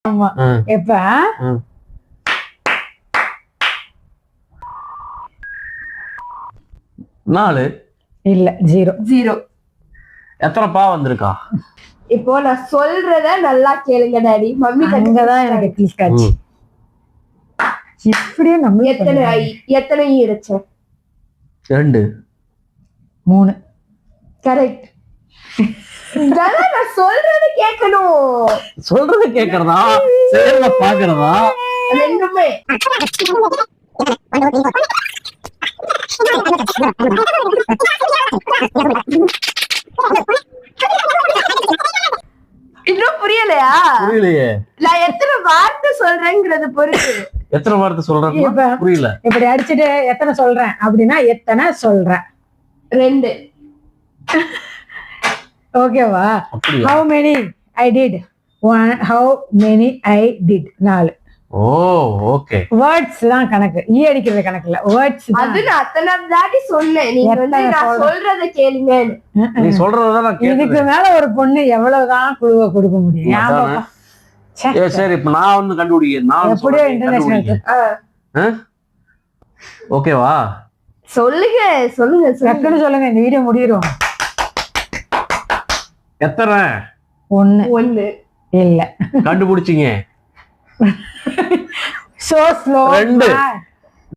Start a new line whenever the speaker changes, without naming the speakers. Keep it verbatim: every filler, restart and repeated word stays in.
ஆமா எப்ப
நாலு
இல்ல ஜீரோ
ஜீரோ.
எத்தனை பா வந்திருக்கா?
இப்போ நான் சொல்றத நல்லா கேளுங்க டாடி. மம்மி
அங்கதான் எனக்கு கிளிக் ஆச்சு. இப்படியே நம்ம
எத்தனை ஐ எத்தனை ஈ இருக்கு?
ரெண்டு.
மூணு.
கரெக்ட். நான் சொல்றது கேட்கணும்.
சொல்றது கேட்கறதா செயல்ல பாக்குறதா
ரெண்டுமே. இன்னும் புரியலையா?
புரியலையே.
நான் எத்தனை வார்த்தை சொல்றேங்கிறது பொறுத்து.
எத்தனை வார்த்தை சொல்றேன் புரியல.
இப்படி அடிச்சுட்டு எத்தனை சொல்றேன் அப்படின்னா எத்தனை சொல்றேன்?
ரெண்டு.
ஓகேவா? how many I did? one. how many I did? நாலு.
ஓ ஓகே.
வேர்ட்ஸ் தான் கணக்கு, ஈ அடிக்கிறது கணக்கு இல்ல, வேர்ட்ஸ் தான்.
அது நான் அத்தனை தாட்டி சொன்னேன், நீங்க வந்து நான் சொல்றத கேளுங்க.
நீ சொல்றத நான் கேக்குறேன்.
இதுக்கு மேல ஒரு பொண்ணு எவ்வளவுதான் குழுவை கொடுக்க முடியும்? ஞாபகம்.
சரி இப்ப நான் வந்து கண்டுபிடிக்கிறேன். நான்
எப்படியோ இன்டர்நேஷனல்.
ஓகேவா?
சொல்லுங்க சொல்லுங்க
டக்குன்னு சொல்லுங்க, இந்த வீடியோ முடிஞ்சிரும்.
எத்தனை?
ஒண்ணு.
ஒண்ணு
இல்ல.
கண்டுபிடிச்சீங்க.
So slow.
ரெண்டு.